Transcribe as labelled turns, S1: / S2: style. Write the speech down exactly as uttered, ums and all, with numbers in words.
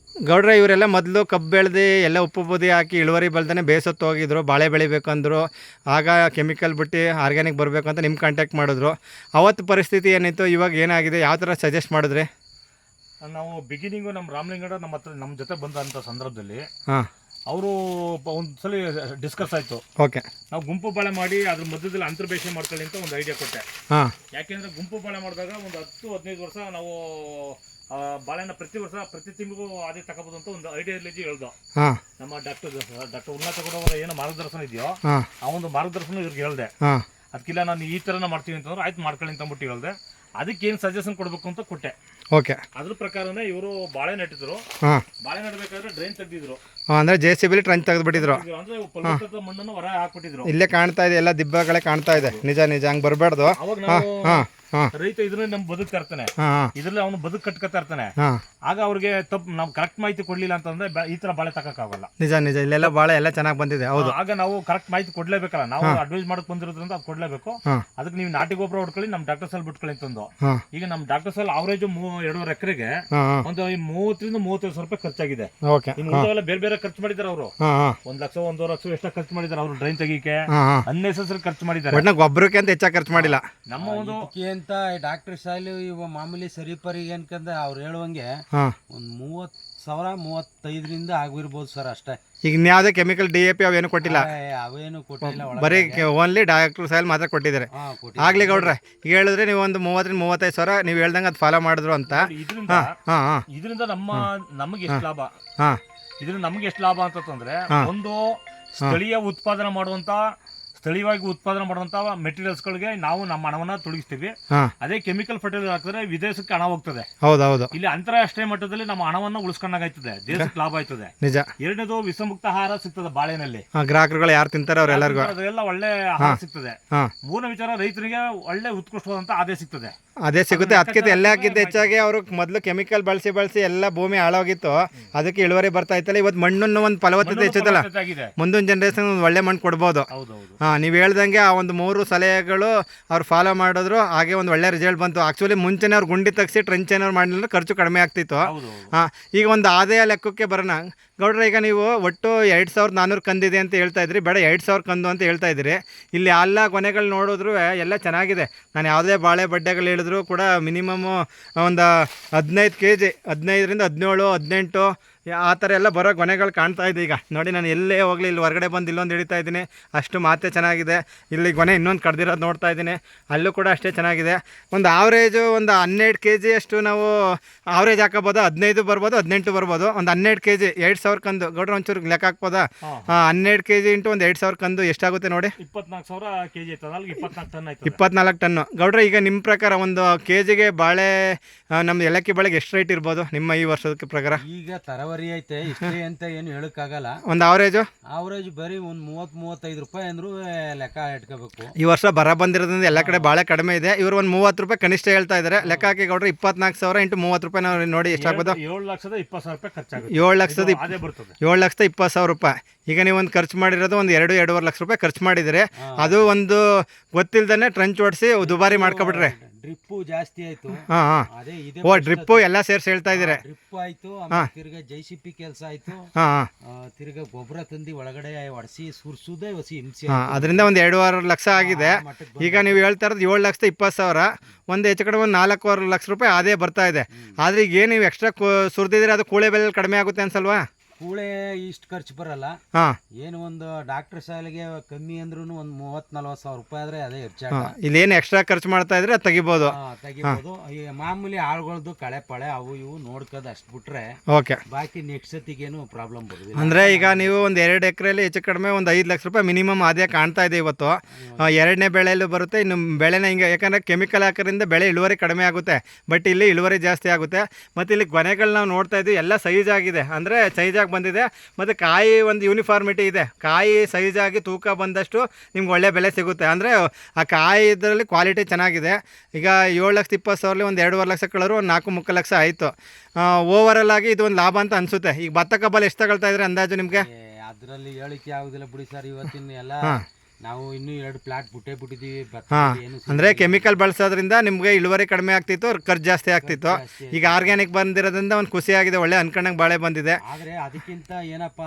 S1: ಗೌಡ್ರೆ ಇವರೆಲ್ಲ ಮೊದಲು ಕಬ್ಬು ಬೆಳೆದು ಎಲ್ಲ ಉಪ್ಪು ಬೂದಿ ಹಾಕಿ ಇಳುವರಿ ಬೆಳ್ದೇ ಬೇಸತ್ತು ಹೋಗಿದ್ರು, ಬಾಳೆ ಬೆಳಿಬೇಕಂದ್ರು. ಆಗ ಕೆಮಿಕಲ್ ಬಿಟ್ಟು ಆರ್ಗ್ಯಾನಿಕ್ ಬರಬೇಕು ಅಂತ ನಿಮ್ಮ ಕಾಂಟ್ಯಾಕ್ಟ್ ಮಾಡಿದ್ರು. ಅವತ್ತು ಪರಿಸ್ಥಿತಿ ಏನಿತ್ತು, ಇವಾಗ ಏನಾಗಿದೆ, ಯಾವ ಥರ ಸಜೆಸ್ಟ್ ಮಾಡಿದ್ರಿ?
S2: ನಾವು ಬಿಗಿನಿಂಗು ನಮ್ಮ ರಾಮಲಿಂಗಡ ನಮ್ಮ ಹತ್ರ ನಮ್ಮ ಜೊತೆ ಬಂದಂಥ ಸಂದರ್ಭದಲ್ಲಿ
S1: ಹಾಂ,
S2: ಅವರು ಒಂದು ಸಲ ಡಿಸ್ಕಸ್ ಆಯಿತು.
S1: ಓಕೆ,
S2: ನಾವು ಗುಂಪು ಬಾಳೆ ಮಾಡಿ ಅದ್ರ ಮಧ್ಯದಲ್ಲಿ ಅಂತರ್ಬೇಷಣೆ ಮಾಡ್ಕೊಳ್ಳಿ ಅಂತ ಒಂದು ಐಡಿಯಾ ಕೊಟ್ಟೆ.
S1: ಹಾಂ,
S2: ಯಾಕೆಂದರೆ ಗುಂಪು ಬಾಳೆ ಮಾಡಿದಾಗ ಒಂದು ಹತ್ತು ಹದಿನೈದು ವರ್ಷ ನಾವು ಬಾಳೆನ ಪ್ರತಿ ವರ್ಷ ಪ್ರತಿ ತಿಂಗಳಿಗೂ ಅದೇ ತಗೋಬೋದು ಅಂತ ಒಂದು ಐಡಿಯಾಲಜಿ ಹೇಳ್ದು.
S1: ಹಾಂ,
S2: ನಮ್ಮ ಡಾಕ್ಟರ್ ಡಾಕ್ಟರ್ ಉನ್ನತ ಕೊಡೋರ ಏನು ಮಾರ್ಗದರ್ಶನ ಇದೆಯೋ
S1: ಹಾಂ,
S2: ಆ ಒಂದು ಮಾರ್ಗದರ್ಶನ ಇವ್ರಿಗೆ ಹೇಳ್ದೆ.
S1: ಹಾಂ,
S2: ಅದಕ್ಕಿಲ್ಲ ನಾನು ಈ ಥರನ ಮಾಡ್ತೀನಿ ಅಂತಂದ್ರೆ ಆಯ್ತು ಮಾಡ್ಕೊಳ್ಳಿ ಅಂತ ಅಂದ್ಬಿಟ್ಟು ಹೇಳ್ದೆ. ಅದಕ್ಕೆ ಏನು ಸಜೆಷನ್ ಕೊಡಬೇಕು ಅಂತ ಕೊಟ್ಟೆ.
S1: ಓಕೆ,
S2: ಅದ್ರ ಪ್ರಕಾರನೇ ಇವರು ಬಾಳೆ ನೆಟ್ಟಿದ್ರು.
S1: ಹಾಂ,
S2: ಬಾಳೆ ನೆಡಬೇಕಾದ್ರೆ ಡ್ರೈನ್ ತೆಗೆದಿದ್ರು.
S1: ಅಂದರೆ ಜೆ ಸಿ ಬಿಲಿ ಟ್ರಂಚ್ ತೆಗೆದುಬಿಟ್ಟಿದ್ರು.
S2: ಅಂದ್ರೆ ಫಲವತ್ತತೆ ಮಣ್ಣನ್ನು ಹೊರ ಹಾಕ್ಬಿಟ್ಟಿದ್ರು.
S1: ಇಲ್ಲೇ ಕಾಣ್ತಾ ಇದೆ, ಎಲ್ಲ ದಿಬ್ಬಗಳೇ ಕಾಣ್ತಾ ಇದೆ. ನಿಜ ನಿಜ ಹಂಗೆ ಬರಬಾರ್ದು.
S2: ಅವಾಗ ನಾವು
S1: ಹಾಂ, ಹಾಂ,
S2: ರೈತ ಇದ್ರಲ್ಲಿ ನಮ್ ಬದುಕ್ತಾ ಇರ್ತಾನೆ,
S1: ಹಾಂ,
S2: ಇದ್ರಲ್ಲಿ ಅವನು ಬದುಕು ಕಟ್ಕೊತಾ ಇರ್ತಾನೆ.
S1: ಹಾಂ,
S2: ಆಗ ಅವ್ರಿಗೆ ತಪ್ಪು ನಾವು ಕರೆಕ್ಟ್ ಮಾಹಿತಿ ಕೊಡ್ಲಿಲ್ಲ ಅಂತಂದ್ರೆ ಬ- ಈ ತರ ಬಾಳೆ ತಕ್ಕಾಗಲ್ಲ.
S1: ನಿಜ ನಿಜ ಇಲ್ಲೆಲ್ಲ ಬಾಳೆ ಎಲ್ಲ ಚೆನ್ನಾಗಿ ಬಂದಿದೆ. ಹೌದು,
S2: ಆಗ ನಾವು ಕರೆಕ್ಟ್ ಮಾಹಿತಿ ಕೊಡ್ಲೇಬೇಕಲ್ಲ. ನಾವು ಅಡ್ವೈಸ್ ಮಾಡಕ್ ಬಂದಿರೋದ್ರಿಂದ ಅದು ಕೊಡ್ಲೇಬೇಕು.
S1: ಹಾಂ,
S2: ಅದಕ್ಕೆ ನೀವು ನಾಟಿ ಗೊಬ್ಬರ ಹೊಡ್ಕೊಳ್ಳಿ, ನಮ್ ಡಾಕ್ಟರ್ ಸಲ್ ಬಿಟ್ಕೊಳ್ಳಿ ಅಂತಂದು.
S1: ಹಾಂ,
S2: ಈಗ ನಮ್ ಡಾಕ್ಟರ್ ಸಲ್ ಅವರೇಜ್ ಎರಡೂವರೆ ಎಕರೆಗೆ
S1: ಹಾಂ, ಹಾಂ,
S2: ಒಂದು ಮೂವತ್ತರಿಂದ ಮೂವತ್ತೈದು ಸಾವಿರ ರೂಪಾಯಿ ಖರ್ಚಾಗಿದೆ.
S1: ಓಕೆ,
S2: ಇನ್ನು ಉಳಿದವೆಲ್ಲ ಬೇರೆ ಬೇರೆ ಖರ್ಚು ಮಾಡಿದಾರೆ ಅವರು.
S1: ಹಾಂ, ಹಾಂ,
S2: ಒಂದ್ ಲಕ್ಷ ಒಂದೂವರೆ ಲಕ್ಷ ಎಷ್ಟ ಖರ್ಚು ಮಾಡಿದಾರೆ ಅವರು ಡ್ರೈನ್ ತೆಗೀಕೆ.
S1: ಹಾಂ, ಹಾಂ,
S2: ಅನ್ನೆಸೆಸರಿ ಖರ್ಚು ಮಾಡಿದ್ದಾರೆ.
S1: ಒಟ್ಟಿನ ಗೊಬ್ಬರಕ್ಕೆ ಅಂತ ಹೆಚ್ಚಾಗಿ ಖರ್ಚು ಮಾಡಿಲ್ಲ.
S2: ನಮ್ಮ ಒಂದು
S3: ಇದಕ್ಕೆ ಅಂತ ಡಾಕ್ಟರ್ ಸಾಯಿಲು ಇವ ಮಾಮೂಲಿ ಸರಿಪರಿಗೆ ಅನ್ಕಂದ್ರೆ ಅವ್ರು ಹೇಳುವಂಗೆ
S1: ಹಾಂ,
S3: ಒಂದು ಮೂವತ್ತು ಸಾವಿರ ಮೂವತ್ತೈದರಿಂದ ಆಗಿರ್ಬೋದು ಸರ್, ಅಷ್ಟೇ.
S1: ಈಗ ಇನ್ಯಾವುದೇ ಕೆಮಿಕಲ್ ಡಿ ಎ ಪಿ ಅವೇನು ಕೊಟ್ಟಿಲ್ಲ,
S3: ಏ, ಅವೇನು ಕೊಟ್ಟಿಲ್ಲ ಒಳಗೆ.
S1: ಬರೀ ಓನ್ಲಿ ಡಾಕ್ಟರ್ ಸಾಯಿಲ್ ಮಾತ್ರ ಕೊಟ್ಟಿದ್ದಾರೆ.
S3: ಹಾ, ಕೊಟ್ಟಿಲ್ಲ.
S1: ಆಗ್ಲಿ ಗೌಡ್ರೆ, ಈಗ ಹೇಳಿದ್ರೆ ನೀವು ಒಂದು ಮೂವತ್ತರಿಂದ ಮೂವತ್ತೈದು ಸಾವಿರ ನೀವು ಹೇಳ್ದಂಗೆ ಅದು ಫಾಲೋ ಮಾಡಿದ್ರು ಅಂತ.
S2: ಇದರಿಂದ
S1: ಹಾಂ, ಹಾಂ, ಹಾಂ,
S2: ಇದರಿಂದ ನಮ್ಮ ನಮಗೆ ಎಷ್ಟು ಲಾಭ,
S1: ಹಾಂ,
S2: ಇದರಿಂದ ನಮ್ಗೆ ಎಷ್ಟು ಲಾಭ ಅಂತಂದ್ರೆ,
S1: ಹಾ.
S2: ಒಂದು ಸ್ಥಳೀಯ ಉತ್ಪಾದನೆ ಮಾಡುವಂತ ಸ್ಥಳೀಯವಾಗಿ ಉತ್ಪಾದನೆ ಮಾಡುವಂತ ಮೆಟೀರಿಯಲ್ಸ್ ಗಳಿಗೆ ನಾವು ನಮ್ಮ ಹಣವನ್ನ ತೊಡಗಿಸ್ತೀವಿ.
S1: ಹಾಂ,
S2: ಅದೇ ಕೆಮಿಕಲ್ ಫರ್ಟಿಲೈಸರ್ ಹಾಕಿದ್ರೆ ವಿದೇಶಕ್ಕೆ ಹಣ ಹೋಗ್ತದೆ.
S1: ಹೌದು ಹೌದು,
S2: ಇಲ್ಲಿ ಅಂತಾರಾಷ್ಟ್ರೀಯ ಮಟ್ಟದಲ್ಲಿ ನಮ್ಮ ಹಣವನ್ನ ಉಳಿಸ್ಕೊಂಡಾಗ್ತದೆ, ದೇಶಕ್ಕೆ ಲಾಭ ಆಯ್ತದೆ.
S1: ನಿಜ.
S2: ಎರಡನೇದು ವಿಷಮುಕ್ತ ಆಹಾರ ಸಿಗ್ತದೆ ಬಾಳೆನಲ್ಲಿ.
S1: ಹಾಂ, ಗ್ರಾಹಕರುಗಳು ಯಾರು ತಿಂತಾರೆ ಅವರೆಲ್ಲರಿಗೂ.
S2: ಅದೆಲ್ಲ ಒಳ್ಳೆ ಆಹಾರ ಸಿಗ್ತದೆ.
S1: ಹಾಂ,
S2: ಮೂರನೇ ವಿಚಾರ, ರೈತರಿಗೆ ಒಳ್ಳೆ ಉತ್ಕೃಷ್ಟವಾದಂತ ಆದಾಯ ಸಿಗ್ತದೆ.
S1: ಅದೇ ಸಿಗುತ್ತೆ. ಅದಕ್ಕಿಂತ ಎಲ್ಲ ಹಾಕಿದ್ದು ಹೆಚ್ಚಾಗಿ ಅವರು ಮೊದಲು ಕೆಮಿಕಲ್ ಬಳಸಿ ಬಳಸಿ ಎಲ್ಲ ಭೂಮಿ ಹಾಳಾಗಿತ್ತು, ಅದಕ್ಕೆ ಇಳುವರಿ ಬರ್ತಾ ಇತ್ತಲ್ಲ. ಇವತ್ತು ಮಣ್ಣನ್ನು ಒಂದು ಫಲವತ್ತತೆ ಹೆಚ್ಚುತ್ತಲ್ಲ,
S2: ಆಗಿದೆ.
S1: ಮುಂದಿನ ಜನ್ರೇಷನ್ ಒಂದು ಒಳ್ಳೆ ಮಣ್ಣು ಕೊಡ್ಬೋದು.
S2: ಹೌದೌದು.
S1: ಹಾಂ, ನೀವು ಹೇಳ್ದಂಗೆ ಆ ಒಂದು ಮೂರು ಸಲಹೆಗಳು ಅವ್ರು ಫಾಲೋ ಮಾಡಿದ್ರು, ಹಾಗೆ ಒಂದು ಒಳ್ಳೆ ರಿಸಲ್ಟ್ ಬಂತು. ಆ್ಯಕ್ಚುಲಿ ಮುಂಚೆನೇ ಅವ್ರು ಗುಂಡಿ ತೆಗ್ಸಿ ಟ್ರೆಂಚ್ ಏನಾದ್ರು ಮಾಡಲಿಲ್ಲ, ಖರ್ಚು ಕಡಿಮೆ ಆಗ್ತಿತ್ತು.
S2: ಹೌದು.
S1: ಹಾಂ, ಈಗ ಒಂದು ಆದಾಯ ಲೆಕ್ಕಕ್ಕೆ ಬರೋಣ ಗೌಡ್ರೆ. ಈಗ ನೀವು ಒಟ್ಟು ಎರಡು ಸಾವಿರದ ನಾನ್ನೂರು ಕಂದಿದೆ ಅಂತ ಹೇಳ್ತಾ ಇದ್ರಿ, ಬೇಡ ಎರಡು ಸಾವಿರ ಕಂದು ಅಂತ ಹೇಳ್ತಾ ಇದ್ರಿ. ಇಲ್ಲಿ ಎಲ್ಲ ಕೊನೆಗಳು ನೋಡಿದ್ರು ಎಲ್ಲ ಚೆನ್ನಾಗಿದೆ. ನಾನು ಯಾವುದೇ ಬಾಳೆ ಬಡ್ಡೆಗಳು ಹೇಳಿದ್ರು ಕೂಡ ಮಿನಿಮಮ್ಮು ಒಂದು ಹದಿನೈದು ಕೆ ಜಿ ಹದಿನೈದರಿಂದ ಹದಿನೇಳು ಹದಿನೆಂಟು ಆ ಥರ ಎಲ್ಲ ಬರೋ ಗೊನೆಗಳು ಕಾಣ್ತಾ ಇದೆ. ಈಗ ನೋಡಿ, ನಾನು ಎಲ್ಲೇ ಹೋಗಲಿ ಇಲ್ಲಿ ಹೊರಗಡೆ ಬಂದು ಇಲ್ಲೊಂದು ಹಿಡಿತಾ ಇದ್ದೀನಿ, ಅಷ್ಟು ಮಾತೆ ಚೆನ್ನಾಗಿದೆ. ಇಲ್ಲಿ ಗೊನೆ ಇನ್ನೊಂದು ಕಡ್ದಿರೋದು ನೋಡ್ತಾ ಇದ್ದೀನಿ, ಅಲ್ಲೂ ಕೂಡ ಅಷ್ಟೇ ಚೆನ್ನಾಗಿದೆ. ಒಂದು ಆವ್ರೇಜು ಒಂದು ಹನ್ನೆರಡು ಕೆ ಜಿ ಅಷ್ಟು ನಾವು ಆವ್ರೇಜ್ ಹಾಕೋಬೋದು. ಹದಿನೈದು ಬರ್ಬೋದು, ಹದಿನೆಂಟು ಬರ್ಬೋದು. ಒಂದು ಹನ್ನೆರಡು ಕೆ ಜಿ ಎರಡು ಸಾವಿರ ಕಂದು ಗೌಡ್ರೆ ಒಂಚೂರು ಲೆಕ್ಕ ಹಾಕ್ಬೋದಾ? ಹನ್ನೆರಡು ಕೆ ಜಿ ಇಂಟು ಒಂದು ಎರಡು ಸಾವಿರ ಕಂದು ಎಷ್ಟಾಗುತ್ತೆ ನೋಡಿ?
S2: ಇಪ್ಪತ್ನಾಲ್ಕು ಸಾವಿರ ಕೆ ಜಿ ಆಯ್ತದ, ಅಲ್ಲಿಗೆ ಇಪ್ಪತ್ನಾಲ್ಕು ಟನ್ ಆಯ್ತು.
S1: ಇಪ್ಪತ್ನಾಲ್ಕು ಟನ್ನು. ಗೌಡ್ರೆ, ಈಗ ನಿಮ್ಮ ಪ್ರಕಾರ ಒಂದು ಕೆ ಜಿಗೆ ಬಾಳೆ ನಮ್ಮ ಏಲಕ್ಕಿ ಬಾಳೆಗೆ ಎಷ್ಟು ರೇಟ್ ಇರ್ಬೋದು ನಿಮ್ಮ ಈ ವರ್ಷದ ಪ್ರಕಾರ?
S3: ಈಗ ತರವರಿ ಐತೆ, ಇಷ್ಟೇ ಅಂತ ಏನು ಹೇಳಕ್ಕಾಗಲ್ಲ.
S1: ಒಂದು ಆವ್ರೇಜು
S3: ಆವ್ರೇಜ್ ಬರೀ ಒಂದು ಮೂವತ್ತು ಮೂವತ್ತೈದು ರೂಪಾಯಿ ಅಂದ್ರೂ ಲೆಕ್ಕ ಇಟ್ಕೋಬೇಕು.
S1: ಈ ವರ್ಷ ಬರ ಬಂದಿರೋದ್ರಿಂದ ಎಲ್ಲ ಕಡೆ ಬಾಳೆ ಕಡಿಮೆ ಇದೆ. ಇವರು ಒಂದು ಮೂವತ್ತು ರೂಪಾಯಿ ಕನಿಷ್ಠ ಹೇಳ್ತಾ ಇದ್ದಾರೆ. ಲೆಕ್ಕ ಹಾಕಿ ಗೌಡ್ರೆ, ಇಪ್ಪತ್ನಾಲ್ಕು ಸಾವಿರ ಇಂಟು ಮೂವತ್ತು ರೂಪಾಯಿ ನಾವು ನೋಡಿ ಎಷ್ಟಾಗ್ಬೋದು?
S2: ಏಳು ಲಕ್ಷದ ಇಪ್ಪತ್ತು ಸಾವಿರ ರೂಪಾಯಿ ಖರ್ಚಾಗುತ್ತೆ.
S1: ಏಳು ಲಕ್ಷದ ಇಪ್
S2: ಅದೇ ಬರ್ತದೆ.
S1: ಏಳು ಲಕ್ಷದ ಇಪ್ಪತ್ತು ಸಾವಿರ ರೂಪಾಯಿ. ಈಗ ನೀವು ಒಂದು ಖರ್ಚು ಮಾಡಿರೋದು ಒಂದು ಎರಡು ಎರಡೂವರೆ ಲಕ್ಷ ರೂಪಾಯಿ ಖರ್ಚು ಮಾಡಿದರೆ, ಅದು ಒಂದು ಗೊತ್ತಿಲ್ದೇ ಟ್ರಂಚ್ ಓಡಿಸಿ ದುಬಾರಿ ಮಾಡ್ಕೊಬಿಟ್ರೆ
S3: ಡ್ರಿಪ್ಪು ಜಾಸ್ತಿ ಆಯ್ತು.
S1: ಹಾಂ, ಹಾಂ,
S3: ಅದೇ ಇದೆ.
S1: ಓ ಡ್ರಿಪ್ಪು ಎಲ್ಲ ಸೇರಿಸಿ ಹೇಳ್ತಾ ಇದ್ದೀರಿ.
S3: ಡ್ರಿಪ್ ಆಯ್ತು, ಆಮೇಲೆ ತಿರ್ಗಾ ಜೆ ಸಿ ಪಿ ಕೆಲಸ ಆಯ್ತು.
S1: ಹಾಂ, ಹಾಂ,
S3: ಆ, ತಿರ್ಗಾ ಗೊಬ್ಬರ ತಂದು ಒಳಗಡೆ ಒಡಿಸಿ ಸುರ್ಸುದೇ ಹೊಸಿ ಹಿಂಸೆ.
S1: ಹಾಂ, ಅದರಿಂದ ಒಂದು ಎರಡೂವರೆ ಲಕ್ಷ ಆಗಿದೆ. ಈಗ ನೀವು ಹೇಳ್ತಾ ಇರೋದು ಏಳು ಲಕ್ಷದ ಇಪ್ಪತ್ತು ಸಾವಿರ, ಒಂದು ಹೆಚ್ಚು ಕಡೆ ಒಂದು ನಾಲ್ಕೂವರೆ ಲಕ್ಷ ರೂಪಾಯಿ ಅದೇ ಬರ್ತಾ ಇದೆ. ಆದರೆ ಈಗ ಏನು ನೀವು ಎಕ್ಸ್ಟ್ರಾ ಸುರಿದಿದ್ರೆ ಅದು ಕೂಳೆ ಬೆಲೆ ಕಡಿಮೆ ಆಗುತ್ತೆ ಅನ್ಸಲ್ವಾ?
S3: ಕೂಳೆ ಇಷ್ಟು ಖರ್ಚು ಬರಲ್ಲ.
S1: ಹಾಂ,
S3: ಏನು ಒಂದು ಡಾಕ್ಟರ್ ಶಾಲೆಗೆ ಕಮ್ಮಿ ಅಂದ್ರೂ ಒಂದು ಮೂವತ್ತು ನಲ್ವತ್ತು ಸಾವಿರ ರೂಪಾಯಿ ಆದರೆ ಅದೇ ಹೆಚ್ಚಾಗ.
S1: ಇಲ್ಲೇನು ಎಕ್ಸ್ಟ್ರಾ ಖರ್ಚು ಮಾಡ್ತಾ ಇದ್ರೆ ಅದು ತೆಗಿಬೋದು.
S3: ತೆಗಿಬೋದು. ಈ ಮಾಮೂಲಿ ಆಳುಗಳದ್ದು ಕಳೆ ಪಳೆ ಅವು ಇವು ನೋಡ್ಕೋದು ಅಷ್ಟು ಬಿಟ್ರೆ
S1: ಓಕೆ.
S3: ಬಾಕಿ ನೆಕ್ಸ್ಟ್ ಸತಿಗೇನು ಪ್ರಾಬ್ಲಮ್ ಬರೋದಿಲ್ಲ.
S1: ಅಂದರೆ ಈಗ ನೀವು ಒಂದು ಎರಡು ಎಕರೆಯಲ್ಲಿ ಹೆಚ್ಚು ಕಡಿಮೆ ಒಂದು ಐದು ಲಕ್ಷ ರೂಪಾಯಿ ಮಿನಿಮಮ್ ಆದಾಯ ಕಾಣ್ತಾ ಇದೆ ಇವತ್ತು. ಎರಡನೇ ಬೆಳೆಯಲ್ಲೂ ಬರುತ್ತೆ, ಇನ್ನು ಬೆಳೆನ ಹಿಂಗೆ, ಯಾಕಂದರೆ ಕೆಮಿಕಲ್ ಹಾಕೋದ್ರಿಂದ ಬೆಳೆ ಇಳುವರಿ ಕಡಿಮೆ ಆಗುತ್ತೆ, ಬಟ್ ಇಲ್ಲಿ ಇಳುವರಿ ಜಾಸ್ತಿ ಆಗುತ್ತೆ. ಮತ್ತು ಇಲ್ಲಿ ಗೊನೆಗಳು ನಾವು ನೋಡ್ತಾ ಇದ್ದೀವಿ, ಎಲ್ಲ ಸೈಜ್ ಆಗಿದೆ, ಅಂದರೆ ಸೈಜಾಗಿ ಬಂದಿದೆ. ಮತ್ತು ಕಾಯಿ ಒಂದು ಯೂನಿಫಾರ್ಮಿಟಿ ಇದೆ. ಕಾಯಿ ಸೈಜಾಗಿ ತೂಕ ಬಂದಷ್ಟು ನಿಮ್ಗೆ ಒಳ್ಳೆ ಬೆಲೆ ಸಿಗುತ್ತೆ. ಅಂದರೆ ಆ ಕಾಯಿ ಇದರಲ್ಲಿ ಕ್ವಾಲಿಟಿ ಚೆನ್ನಾಗಿದೆ. ಈಗ ಏಳು ಲಕ್ಷದ ಇಪ್ಪತ್ತು ಸಾವಿರಲ್ಲಿ ಒಂದು ಎರಡೂವರೆ ಲಕ್ಷ ಕಳರು ಒಂದು ನಾಲ್ಕು ಮುಕ್ಕಾಲು ಲಕ್ಷ ಆಯಿತು. ಓವರಾಲ್ ಆಗಿ ಇದು ಒಂದು ಲಾಭ ಅಂತ ಅನಿಸುತ್ತೆ. ಈಗ ಭತ್ತ ಕಬ್ಬಲ್ಲಿ ಎಷ್ಟು ತಗೊಳ್ತಾ ಇದ್ರೆ ಅಂದಾಜು ನಿಮಗೆ?
S3: ಅದರಲ್ಲಿ ಹೇಳಿಕೆ ಆಗೋದಿಲ್ಲ ಬಿಡಿ ಸರ್. ಇವತ್ತಿನ ಎಲ್ಲ ನಾವು ಇನ್ನೂ ಎರಡು ಪ್ಲಾಟ್ ಬಿಟ್ಟೇ ಬಿಟ್ಟಿದ್ದೀವಿ ಭತ್ತ
S1: ಹಾಂ
S3: ಏನು
S1: ಅಂದರೆ ಕೆಮಿಕಲ್ ಬಳಸೋದ್ರಿಂದ ನಿಮಗೆ ಇಳುವರಿ ಕಡಿಮೆ ಆಗ್ತಿತ್ತು ಖರ್ಚು ಜಾಸ್ತಿ ಆಗ್ತಿತ್ತು
S3: ಜಾಸ್ತಿ
S1: ಈಗ ಆರ್ಗ್ಯಾನಿಕ್ ಬಂದಿರೋದ್ರಿಂದ ಒಂದು ಖುಷಿಯಾಗಿದೆ ಒಳ್ಳೆ ಅನ್ಕೊಂಡಂಗೆ ಬಾಳೆ ಬಂದಿದೆ
S3: ಆದರೆ ಅದಕ್ಕಿಂತ ಏನಪ್ಪ